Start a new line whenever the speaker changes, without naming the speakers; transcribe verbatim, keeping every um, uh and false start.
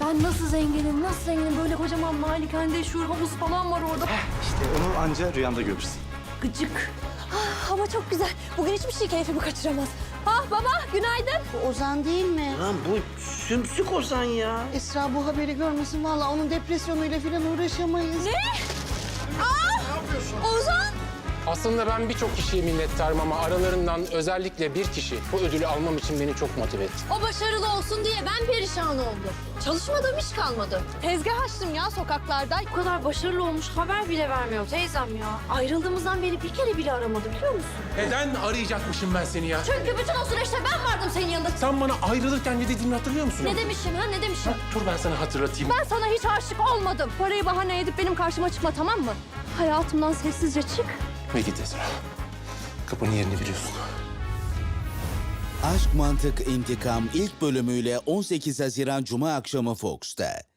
Ben nasıl zenginim, nasıl zenginim? Böyle kocaman malikanede şur havuz falan var orada.
İşte onu anca rüyanda görürsün.
Gıcık. Ah, hava çok güzel. Bugün hiçbir şey keyfimi kaçıramaz. Ah baba, günaydın.
Bu Ozan değil mi?
Lan bu sümsük Ozan ya.
Esra bu haberi görmesin. Vallahi onun depresyonuyla falan uğraşamayız.
Ne? Ah! Ozan!
Aslında ben birçok kişiye minnettarım ama aralarından özellikle bir kişi bu ödülü almam için beni çok motive etti.
O başarılı olsun diye ben perişan oldum. Çalışmadığım iş kalmadı. Tezgah açtım ya sokaklarda. Bu kadar başarılı olmuş haber bile vermiyor teyzem ya. Ayrıldığımızdan beri bir kere bile aramadı biliyor musun?
Neden arayacakmışım ben seni ya?
Çünkü bütün o süreçte ben vardım senin yanında.
Sen bana ayrılırken ne dediğimi hatırlıyor musun?
Ne demişim ha ne demişim?
Dur ben sana hatırlatayım.
Ben sana hiç aşık olmadım. Parayı bahane edip benim karşıma çıkma tamam mı? Hayatımdan sessizce çık.
Ve git Esra. Kapının yerini biliyorsun.
Aşk Mantık İntikam ilk bölümüyle on sekiz Haziran Cuma akşamı Fox'ta.